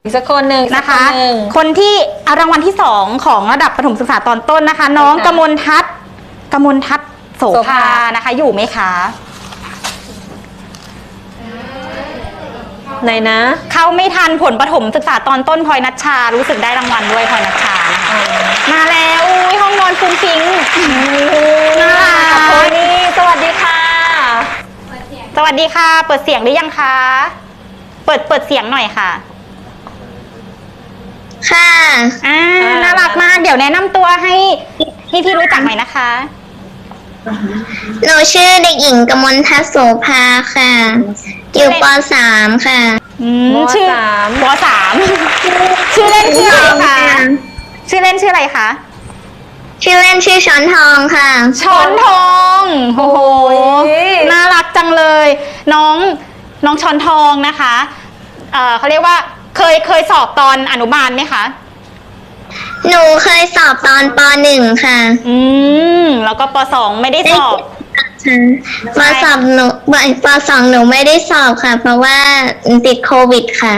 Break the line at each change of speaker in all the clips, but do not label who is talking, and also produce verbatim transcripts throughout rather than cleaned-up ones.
อีกสักคนหนึ่ง
นะคะ
หนึ่ง
คนที่เอารางวัลที่สองของระดับประถมศึกษาตอนต้นนะคะ น้องกมลทัศน์กมลทัศน์โสภานะคะ อยู่ไหมคะ
ไหนนะ
เข้าไม่ทันผลประถมศึกษาตอนต้นพลอยนัชชารู้สึกได้รางวัลด้วยพลอยนัชชานะคะมาแล้วอุ้ยห้องนอนฟุ้งฟิ้งน่ารัก
โทนี่สวัสดีค่ะ
สวัสดีค่ะ เปิดเสียงหรือยังคะ เปิดเปิดเสียงหน่อยค่ะ
ค่ะ
อ่าน่ารักมากเดี๋ยวแนะนำตัวให้พี่พี่รู้จักหน่อยนะคะ
หนูชื่อเด็กหญิงกมลทัศน์โสภาค่ะ อยู่ป .สาม ค่ะ
อืม
ม
ชื่อ
สาม
ปสาม ชื่อเล่นชื่ออะไรคะชื่อเล่นชื่ออะไรคะ
ชื่อเล่นชื่อช้อนทองค่ะ
ช้อนทองโอ้โห
โอ้ย
น่ารักจังเลย น้องน้องช้อนทองนะคะเอ่อเขาเรียกว่าเคยเคยสอบตอนอนุบาลไหมคะ
หนูเคยสอบตอนป .หนึ่ง ค่ะ
อืมแล้วก็ปสองไม่ได้สอบ
ปสอบหนูปสองหนูไม่ได้สอบค่ะ เพราะว่าติดโควิดค่ะ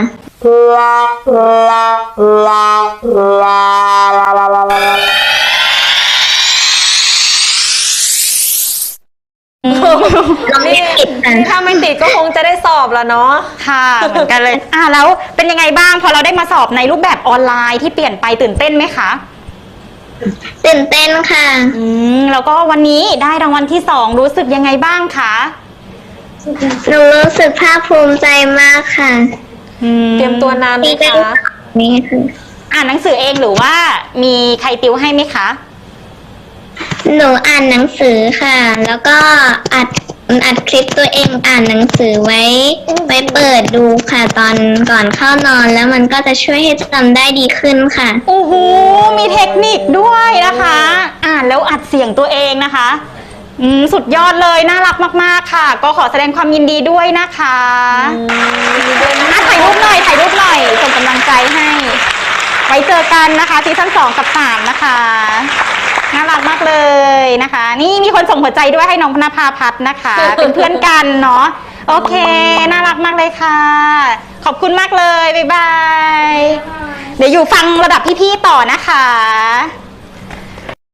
นี่ถ้าไม่ติดก็คงจะได้สอบแล้วเนาะ
ค่ะเหมือนกันเลย อ่าแล้วเป็นยังไงบ้างพอเราได้มาสอบในรูปแบบออนไลน์ที่เปลี่ยนไปตื่นเต้นไหมคะ
ตื่นเต้นค่ะ
อืมแล้วก็วันนี้ได้รางวัลที่สองรู้สึกยังไงบ้างคะ
หนูรู้สึกภาคภูมิใจมากค่ะ
อืม
เตรียมตัวนานไหม
ที่ได้
คะ
สอบนี้ค่ะ
อ่านหนังสือเองหรือว่ามีใครติวให้ไหมคะ
หนูอ่านหนังสือค่ะ แล้วก็อัดอัดคลิปตัวเองอ่านหนังสือไว้ไว้เปิดดูค่ะ ตอนก่อนเข้านอนแล้วมันก็จะช่วยให้จำได้ดีขึ้นค่ะ
โอ้โหมีเทคนิคด้วยนะคะ อ่านแล้วอัดเสียงตัวเองนะคะอืมสุดยอดเลยน่ารักมากๆค่ะ ก็ขอแสดงความยินดีด้วยนะคะอ่ะถ่ายรูปหน่อยถ่ายรูปหน่อยส่งกำลังใจให้ ไว้เจอกันนะคะซีซั่นสองกับสามนะคะน่ารักมากเลยนะคะ นี่มีคนส่งหัวใจด้วยให้น้องพนภาพัฒน์นะคะ เป็นเพื่อนกันเนาะโอเค น่ารักมากเลยค่ะ ขอบคุณมากเลยบ๊ายบาย เดี๋ยวอยู่ฟังระดับพี่ๆต่อนะคะ